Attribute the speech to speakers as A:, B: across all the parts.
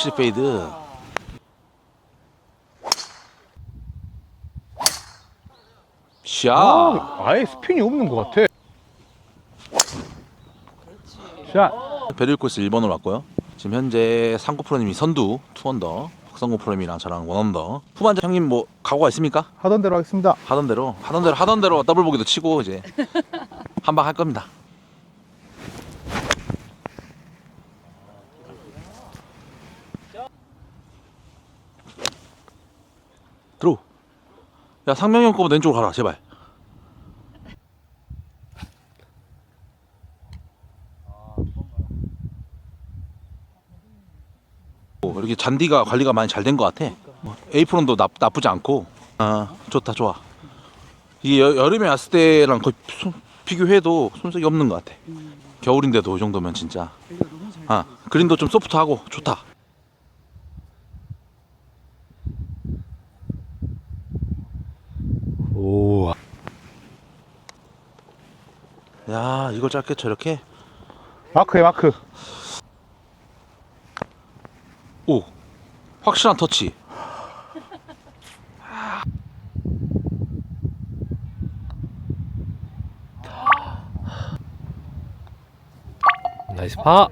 A: 확실히 페이드. 샷.
B: 아예 스핀이 없는 것 같아. 샷.
A: 베릴 코스 1번으로 왔고요. 지금 현재 상구 프로님이 선두 2언더, 박성구 프로님이랑 저랑 1언더. 후반전 형님 뭐 각오가 있습니까?
B: 하던 대로 하겠습니다.
A: 하던 대로 더블 보기도 치고 이제 한 방 할 겁니다. 들어. 야 상명이 형 거보다 왼쪽으로 가라 제발. 이렇게 잔디가 관리가 많이 잘 된 것 같아. 에이프론도 나쁘지 않고. 아 좋다 좋아. 이게 여름에 왔을 때랑 거의 비교해도 손색이 없는 것 같아. 겨울인데도 이 정도면 진짜. 아 그린도 좀 소프트하고 좋다.
B: 오.
A: 야 이걸 짧게 저렇게.
B: 마크에 마크.
A: 오 확실한 터치.
C: 나이스 파.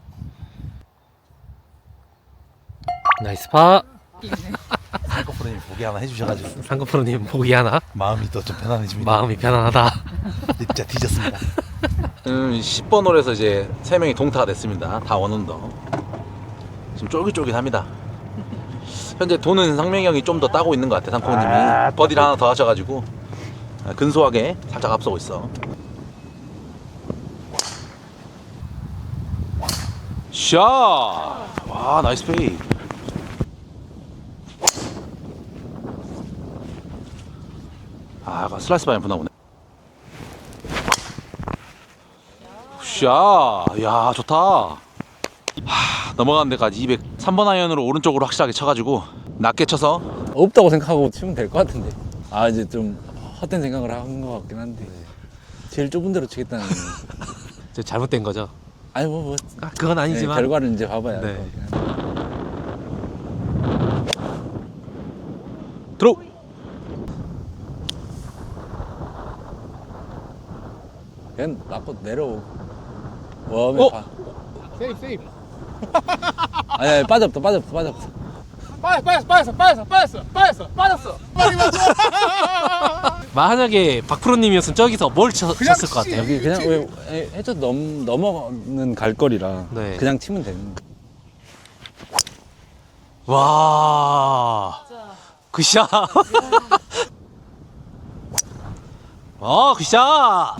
C: 나이스 파.
A: 상코 프로님 보기 하나 해주셔가지고
C: 상급프로님 보기 하나.
A: 마음이 또 좀 편안해집니다.
C: 마음이 편안하다.
A: 진짜 뒤졌습니다. 10번 홀에서 이제 3명이 동타가 됐습니다. 다 원언더. 지금 쫄깃쫄깃합니다. 현재 도는 상명이 형이 좀 더 따고 있는 것 같아. 상코님이 버디를 하나 더 하셔가지고 근소하게 살짝 앞서고 있어. 샷! 와 나이스 페이. 아 슬라이스 방향 보나 보네. 샷! 야 좋다. 넘어가는 데까지 3번 아이언으로 오른쪽으로 확실하게 쳐가지고 낮게 쳐서.
D: 없다고 생각하고 치면 될 것 같은데. 아 이제 좀 헛된 생각을 한 것 같긴 한데 제일 좁은 데로 치겠다는.
C: 저 잘못된 거죠.
D: 아니 뭐
C: 아, 그건 아니지만.
D: 결과를 이제 봐봐야
C: 네.
D: 할 것 같긴 한데.
A: 들어.
D: 그냥 놔고 내려오고 웜에 봐.
B: 세이프.
D: 아니 빠졌다.
B: 빠졌어.
C: 만약에 박프로님이었으면 저기서 뭘 쳤을 것 같아요.
D: 여기 그냥 왜 해저 넘어는 갈 거리라
C: 네.
D: 그냥 치면 되는.
C: 와. 굿샷. 굿샷.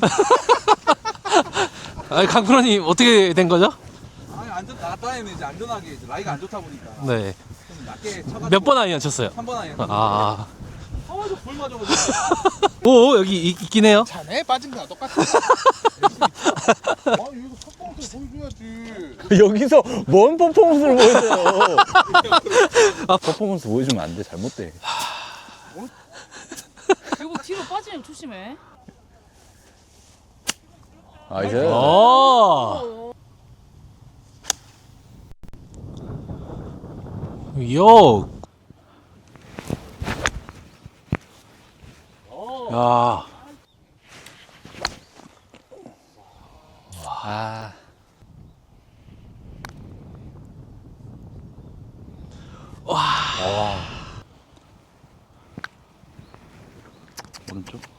C: 아니 강프로님 어떻게 된 거죠?
E: 아니 안전 나갔다에는 이제 안전하게 이제 라이가 안 좋다 보니까
C: 네.
E: 좀 낮게 쳐가지고
C: 몇 번 아이언 쳤어요?
E: 3번 아니야.
C: 아.
E: 불 맞아가지고
C: 오 여기 있긴 해요.
B: 자네 빠진 거랑 똑같아.
E: 아 이거 퍼포먼스 보여줘야지.
D: 여기서 뭔 퍼포먼스를 보여줘요. 퍼포먼스 보여주면 안 돼. 잘못돼.
F: 이거 뒤로 빠지면 조심해.
D: 아 이제
C: 오. 요.
A: 야.
D: 아
A: 오른쪽.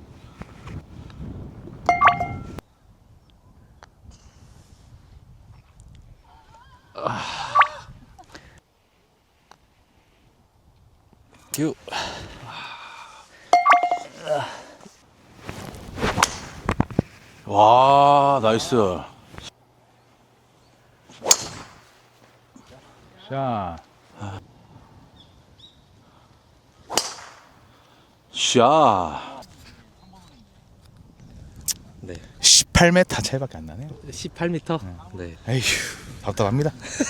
D: 큐.
A: 와 나이스.
B: 자,
A: 샷.
C: 네.
B: 18m 차이밖에 안 나네요.
C: 18m. 네.
B: 에휴, 답답합니다.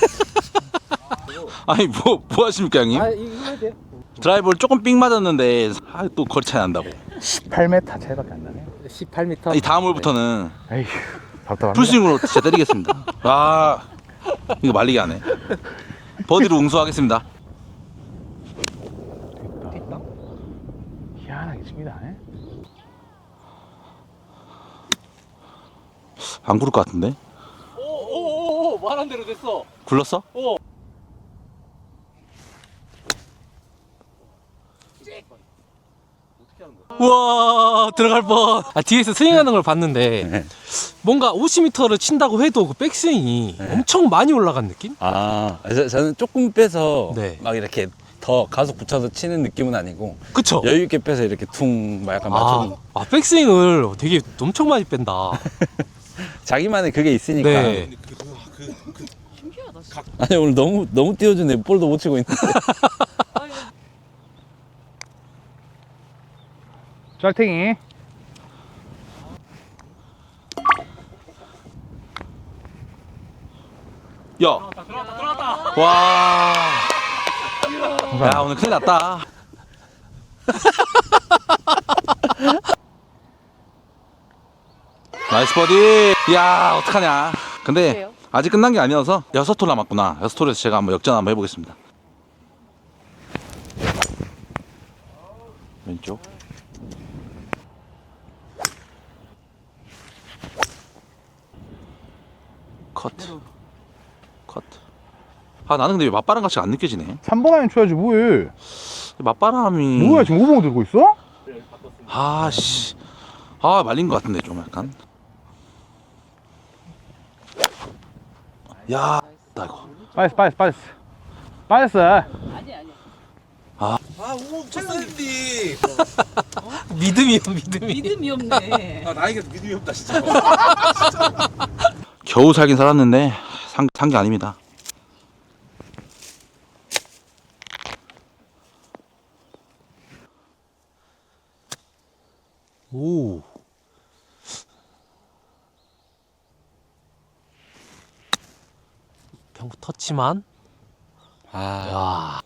A: 아니 뭐 하십니까 형님?
C: 이거 해야 돼.
A: 드라이버를 조금 삑 맞았는데 또 거리 차이 난다고.
B: 18m 차이밖에 안 나네요.
C: 18m.
A: 이 다음 홀부터는
B: 에휴, 답답합니다.
A: 풀스윙으로 진짜 때리겠습니다. 아 이거 말리게 하네. 버디로 응수하겠습니다.
B: 됐다. 희한하게 칩니다. 예?
A: 안 구를 것 같은데?
C: 오오오오 말한 대로 됐어.
A: 굴렀어?
C: 우와 들어갈 뻔. 뒤에서 스윙하는 걸 봤는데
D: 네.
C: 뭔가 50m를 친다고 해도 그 백스윙이 엄청 많이 올라간 느낌?
D: 저는 조금 빼서
C: 네.
D: 막 이렇게 더 가속 붙여서 치는 느낌은 아니고
C: 그쵸?
D: 여유 있게 빼서 이렇게 퉁 막 약간 맞춰
C: 백스윙을 되게 엄청 많이 뺀다.
D: 자기만의 그게 있으니까.
C: 네.
F: 신기하다. 진짜.
D: 아니 오늘 너무 띄워주네. 볼도 못 치고 있는데.
B: 짤탱이.
A: 야! 들어왔다! 와. 야, 오늘 큰일 났다. 나이스 버디! 야, 어떡하냐. 근데
F: 그래요?
A: 아직 끝난 게 아니어서 6홀 남았구나. 6홀에서 제가 한번 역전 한번 해보겠습니다. 왼쪽. 커트. 커트. 아, 나는 근데 왜 맞바람 같이 안 느껴지네.
B: 3번 아니면 쳐야지 뭐해.
A: 맞바람이.
B: 뭐야 지금 5번 들고 있어?
A: 아, 씨. 아, 말린 것 같은데, 좀 약간. 야, 나 이거.
B: 빠졌어.
F: 아니 아니.
E: 아 우엉 쳤었는데.
C: 믿음이 믿음이.
F: 믿음이 없네.
E: 아 나이가 믿음이 없다 진짜.
A: 겨우 살긴 살았는데, 산 게 아닙니다.
C: 오. 평구 터치만. 야.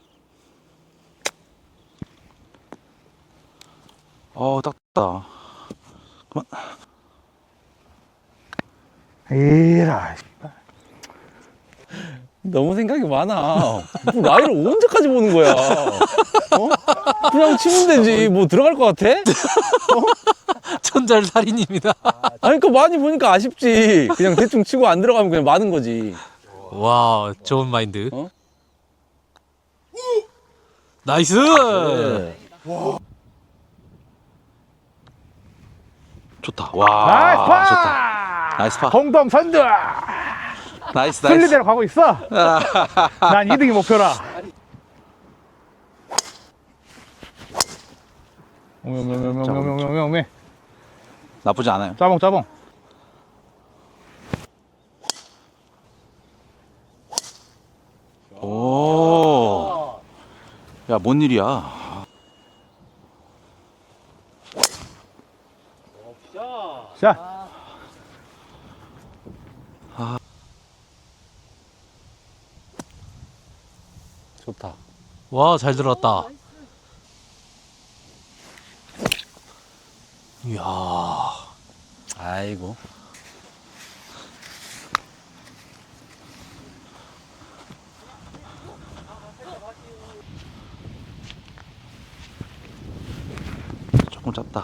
A: 딱다. 그만.
B: 에라.
D: 너무 생각이 많아. 뭐 라이를 언제까지 보는 거야? 어? 그냥 치면 되지. 뭐 들어갈 것 같아?
C: 천잘살인입니다.
D: 아니 그러니까 많이 보니까 아쉽지. 그냥 대충 치고 안 들어가면 그냥 마는 거지.
C: 와, 좋은 마인드.
D: 어?
C: 나이스.
D: 네.
A: 좋다. 와, 좋다. 나이스 파.
B: 공동 선두.
A: 나이스, 나이스.
B: 순리대로 가고 있어. 난 2등이 목표라. 오메.
A: 나쁘지 않아요.
B: 짜봉.
A: 오. 야, 뭔 일이야.
B: 자.
D: 좋다.
C: 와, 잘 들어왔다. 이야.
D: 아이고.
A: 조금 짧다.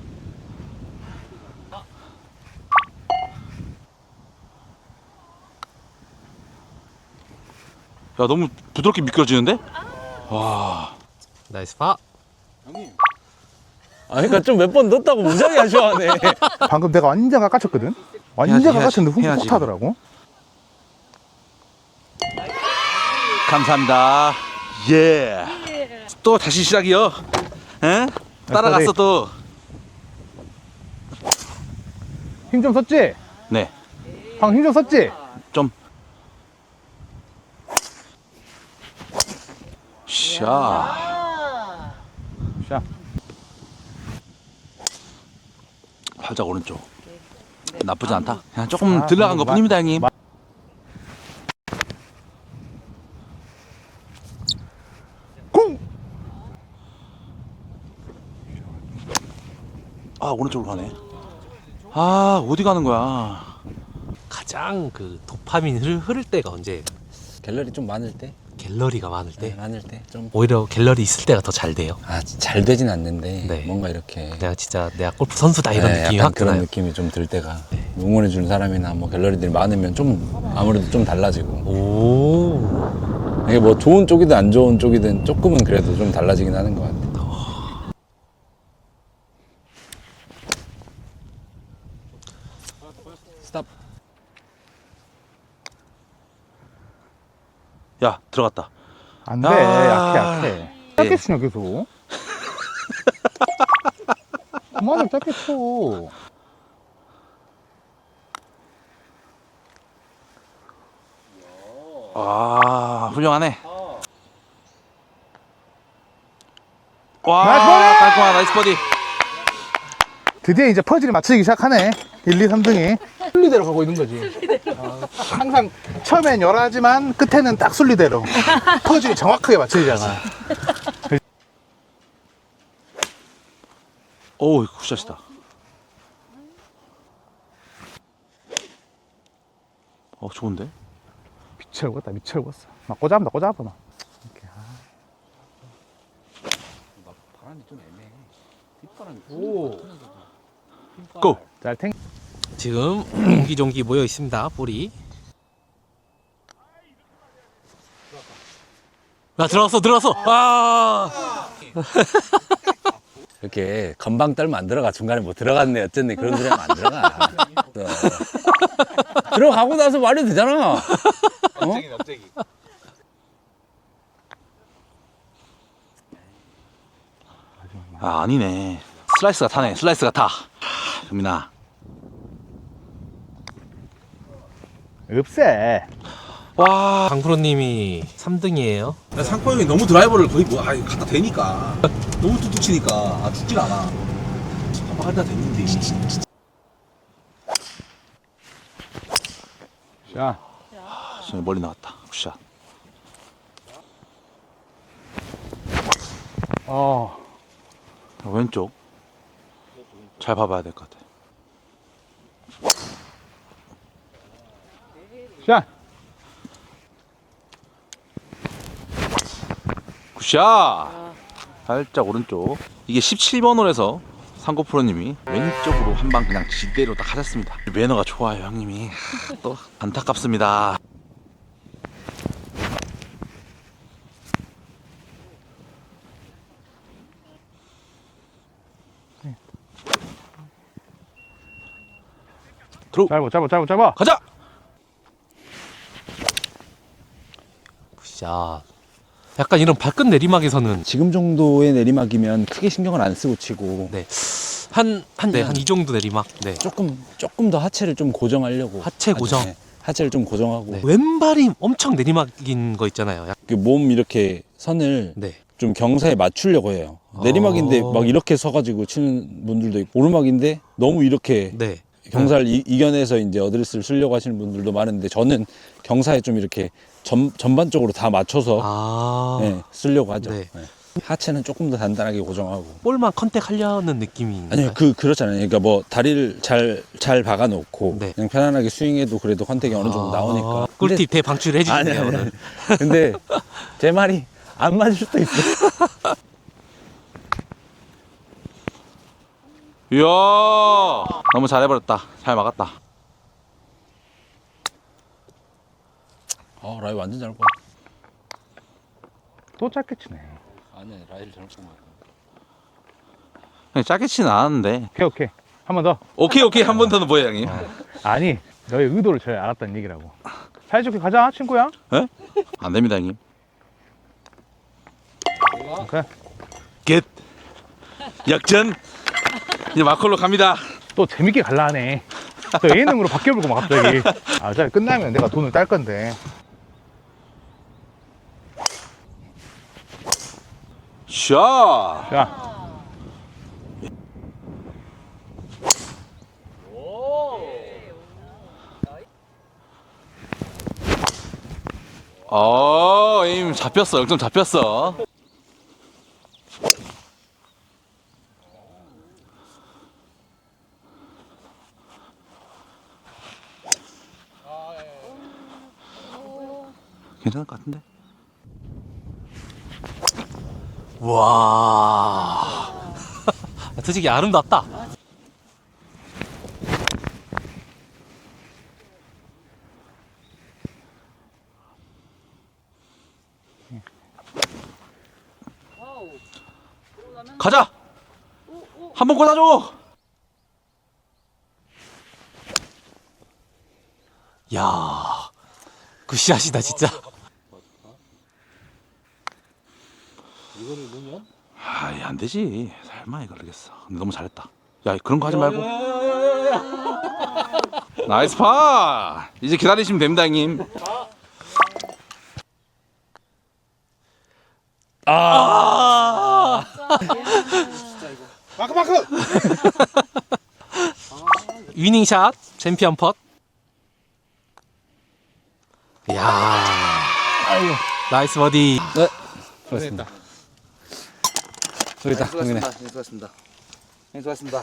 A: 야, 너무 부드럽게 미끄러지는데? 와.
C: 나이스 파.
D: 아 그러니까 좀 몇 번 넣었다고 무지하게 아쉬워하네.
B: 방금 내가 완전 깎아쳤거든. 완전
A: 해야지,
B: 깎아쳤는데 훅
A: 해야지.
B: 하더라고.
A: 감사합니다. 예. 또 다시 시작이요. 에? 따라갔어 또.
B: 힘 좀 썼지?
A: 네.
B: 방금 힘 좀 썼지?
A: 좀. 샤.
B: 자.
A: 살짝 오른쪽. 나쁘지 않다. 그냥 조금 들어간 것 뿐입니다, 형님.
B: 쿵!
A: 아, 오른쪽으로 가네. 아, 어디 가는 거야?
C: 가장 그 도파민 흐를 때가 언제?
D: 갤러리 좀 많을 때.
C: 갤러리가 많을 때
D: 많을 때 좀.
C: 오히려 갤러리 있을 때가 더 잘 돼요.
D: 아, 잘 되진 않는데
C: 네.
D: 뭔가 이렇게
C: 내가 골프 선수다 이런
D: 네,
C: 느낌이
D: 약간
C: 확
D: 그런
C: 드나요.
D: 느낌이 좀 들 때가 응원해 주는 사람이나 뭐 갤러리들이 많으면 좀 아무래도 좀 달라지고
C: 오.
D: 이게 뭐 좋은 쪽이든 안 좋은 쪽이든 조금은 그래도 좀 달라지긴 하는 것 같아. 스탑.
A: 야 들어갔다.
B: 안 돼.
A: 아.
B: 약해. 짧게 치냐, 계속. 그만해, 짧게 쳐.
A: 아 훌륭하네.
B: 나이스
A: 와
B: 버디!
A: 깔끔한 나이스 버디.
B: 드디어 이제 퍼즐이 맞춰지기 시작하네. 1, 2, 3등이. 순리대로 가고 있는 거지. 항상 처음엔 열하지만 끝에는 딱 순리대로. 퍼즐이 정확하게 맞춰지잖아.
A: 오우 굿샷이다. 좋은데?
B: 미쳐버렸다, 미쳐버렸어. 막 꽂아본다, 꽂아봐. 이렇게.
D: 바람이 좀 애매해. 뒷바람이
A: 고!
B: 잘 탱.
C: 지금 옹기종기 모여 있습니다. 볼이. 야 들어왔어. 아.
D: 이렇게 건방 떨면 안 들어가. 중간에 뭐 들어갔네 어쨌네 그런 소리 하면 안 들어가. 들어가고 나서 말이 되잖아.
E: 납작이.
A: 아니네. 슬라이스가 타네. 슬라이스가 타. 금민아.
B: 없애.
A: 와.
C: 강프로님이 3등이에요.
E: 상코 형이 너무 드라이버를 거의 뭐 갖다 대니까 너무 뚝뚝 치니까 죽질 않아. 한번 갖다 댔는데.
B: 자,
A: 지금 멀리 나갔다. 굿샷. 왼쪽. 잘 봐봐야 될 것 같아.
B: 자.
A: 굿샷! 살짝 오른쪽. 이게 17번 홀에서 상고 프로님이 왼쪽으로 한 방 그냥 지대로 딱 하셨습니다. 매너가 좋아요, 형님이. 또 안타깝습니다. 들어.
B: 짧아.
A: 가자!
C: 굿샷. 약간 이런 발끝 내리막에서는
D: 지금 정도의 내리막이면 크게 신경을 안 쓰고 치고
C: 네. 한 이 정도 내리막. 네.
D: 조금 더 하체를 좀 고정하려고
C: 하체 고정.
D: 네, 하체를 좀 고정하고
C: 네. 왼발이 엄청 내리막인 거 있잖아요.
D: 몸 이렇게 선을
C: 네.
D: 좀 경사에 맞추려고 해요. 내리막인데 막 이렇게 서가지고 치는 분들도 있고 오르막인데 너무 이렇게
C: 네.
D: 경사를 이겨내서 이제 어드레스를 쓰려고 하시는 분들도 많은데 저는 경사에 좀 이렇게 전반적으로 다 맞춰서 네, 쓰려고 하죠.
C: 네.
D: 네. 하체는 조금 더 단단하게 고정하고.
C: 볼만 컨택하려는 느낌이.
D: 아니요, 그렇잖아요. 그러니까 뭐 다리를 잘 박아놓고
C: 네.
D: 그냥 편안하게 스윙해도 그래도 컨택이 어느 정도 나오니까.
C: 꿀팁 대방출해 주시네요
D: 아니.
C: 오늘.
D: 근데 제 말이 안 맞을 수도 있어.
A: 이야, 너무 잘해버렸다. 잘 막았다.
D: 라이 완전 잘 봐.
B: 또 짧게 치네.
D: 아니, 라이를 잘못 본 거야.
A: 그냥 짧게 치는 않았는데.
B: 오케이. 한 번 더.
A: 오케이. 한 번 더는 뭐야, 형님?
B: 아니, 너의 의도를 잘 알았다는 얘기라고. 사이좋게 가자, 친구야.
A: 에? 안 됩니다, 형님.
B: 오케이.
A: 겟. 역전. 이제 마콜로 갑니다.
B: 또 재밌게 갈라 하네. 또 예능으로 바뀌어버리고 막 갑자기. 자, 끝나면 내가 돈을 딸 건데.
A: 샷.
B: 자,
A: 에임 잡혔어. 0점 잡혔어. 괜찮을 것 같은데?
C: 와. 솔직히 아름답다.
A: 가자. 한 번 꽂아줘.
C: 야, 굿샷이다 진짜.
A: 아이 안 되지. 설마 이걸 그러겠어. 근데 너무 잘했다. 야 그런 거 하지 말고. 나이스 파. 이제 기다리시면 됩니다 형님.
B: 마크.
C: 위닝샷, 챔피언 펫. 야, 나이스 버디.
D: 네. 그렇습니다. 저기다. 형님.
A: 수고하셨습니다. 수고하셨습니다.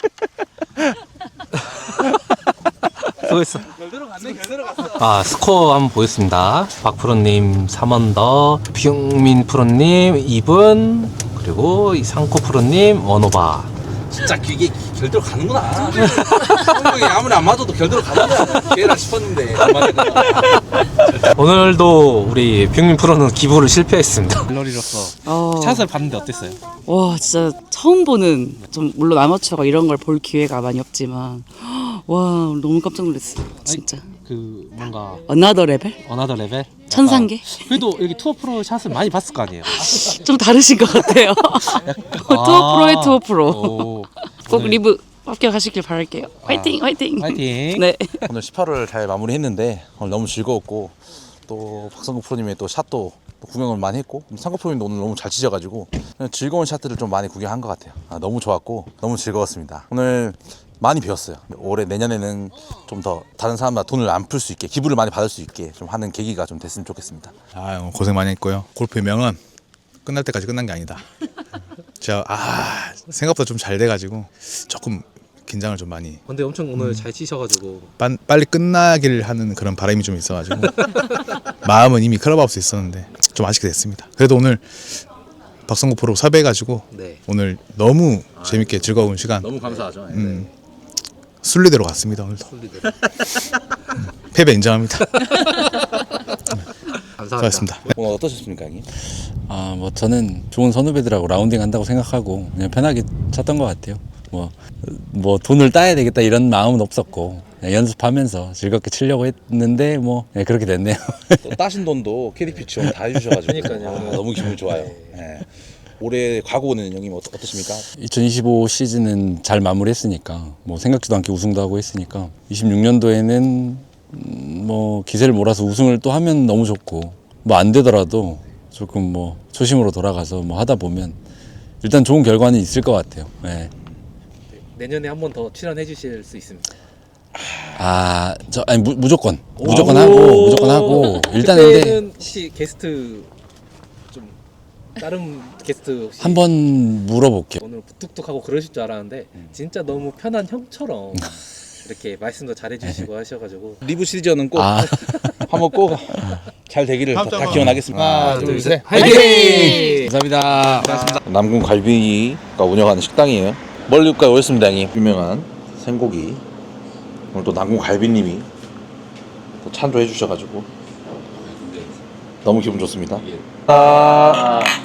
C: 수고했어. 아, 스코어 한번 보겠습니다. 박프로님 3언더, 뷰민 프로님 2분, 그리고 상코 프로님 원오바.
E: 진짜 이게 결대로 가는구나. 형이 아무리 안 맞아도 결대로 가는구나. 걔라 싶었는데 안 맞았구나.
C: 오늘도 우리 뷰민 프로는 기부를 실패했습니다.
F: 어,
C: 샷을 봤는데 어땠어요?
F: 와 진짜 처음 보는 좀 물론 아마추어가 이런 걸 볼 기회가 많이 없지만 와 너무 깜짝 놀랐어요 진짜.
C: 그 뭔가
F: 어나더 레벨?
C: 어나더 레벨?
F: 천상계?
C: 그래도 여기 투어 프로 샷을 많이 봤을 거 아니에요?
F: 좀 다르신 것 같아요. 투어 프로의 투어 프로.
C: 오,
F: 꼭 리브 합격하시길 바랄게요. 화이팅 화이팅.
C: 파이팅.
F: 네.
A: 오늘 18을 잘 마무리했는데 오늘 너무 즐거웠고 또 박성국 프로님의 또 샷도 또 구경을 많이 했고 상국 프로님도 오늘 너무 잘 치셔가지고 그냥 즐거운 샷들을 좀 많이 구경한 것 같아요. 너무 좋았고 너무 즐거웠습니다. 오늘 많이 배웠어요. 올해 내년에는 좀 더 다른 사람보다 돈을 안 풀 수 있게 기부를 많이 받을 수 있게 좀 하는 계기가 좀 됐으면 좋겠습니다.
B: 아 고생 많이 했고요. 골프의 명은 끝날 때까지 끝난 게 아니다. 제가 생각보다 좀 잘 돼가지고 조금 긴장을 좀 많이
C: 근데 엄청 오늘 잘 치셔가지고
B: 빨리 끝나길 하는 그런 바람이 좀 있어가지고 마음은 이미 클럽하우스에 있었는데 좀 아쉽게 됐습니다. 그래도 오늘 박성국 프로 섭외해가지고
C: 네.
B: 오늘 너무 재밌게 즐거운 시간
A: 너무 감사하죠.
B: 순리대로 갔습니다. 오늘도 패배 인정합니다.
C: 감사합니다.
B: 수고하셨습니다.
A: 오늘 어떠셨습니까 형님?
D: 아, 뭐 저는 좋은 선후배들하고 라운딩 한다고 생각하고 그냥 편하게 쳤던 것 같아요. 뭐 돈을 따야 되겠다 이런 마음은 없었고 그냥 연습하면서 즐겁게 치려고 했는데 뭐 그렇게 됐네요.
A: 또 따신 돈도 KDP 지원 다 해주셔가지고
C: 그러니까요.
A: 너무 기분이 좋아요. 네. 올해 과거는 형님 어떠십니까?
D: 2025 시즌은 잘 마무리했으니까 뭐 생각지도 않게 우승도 하고 했으니까 26년도에는 뭐 기세를 몰아서 우승을 또 하면 너무 좋고 뭐 안 되더라도 조금 뭐 초심으로 돌아가서 뭐 하다 보면 일단 좋은 결과는 있을 것 같아요. 네.
C: 내년에 한 번 더 출연해 주실 수 있습니다.
D: 아니 무조건 하고 일단 근데
C: 그때는 혹시 게스트 좀 다른 게스트 혹시
D: 한번 물어볼게요.
C: 오늘 뚝뚝하고 그러실 줄 알았는데 진짜 너무 편한 형처럼 이렇게 말씀도 잘해주시고 하셔가지고
A: 리브 시리즈는 꼭
D: 아,
A: 한번 꼭 잘 되기를 다 기원하겠습니다.
B: 하나 둘 셋.
C: 화이팅!
D: 감사합니다.
A: 남궁 갈비가 운영하는 식당이에요. 멀리까지 오셨습니다, 형님. 유명한 생고기. 오늘 또 남궁 갈비님이 또 찬조해 주셔가지고 너무 기분 좋습니다.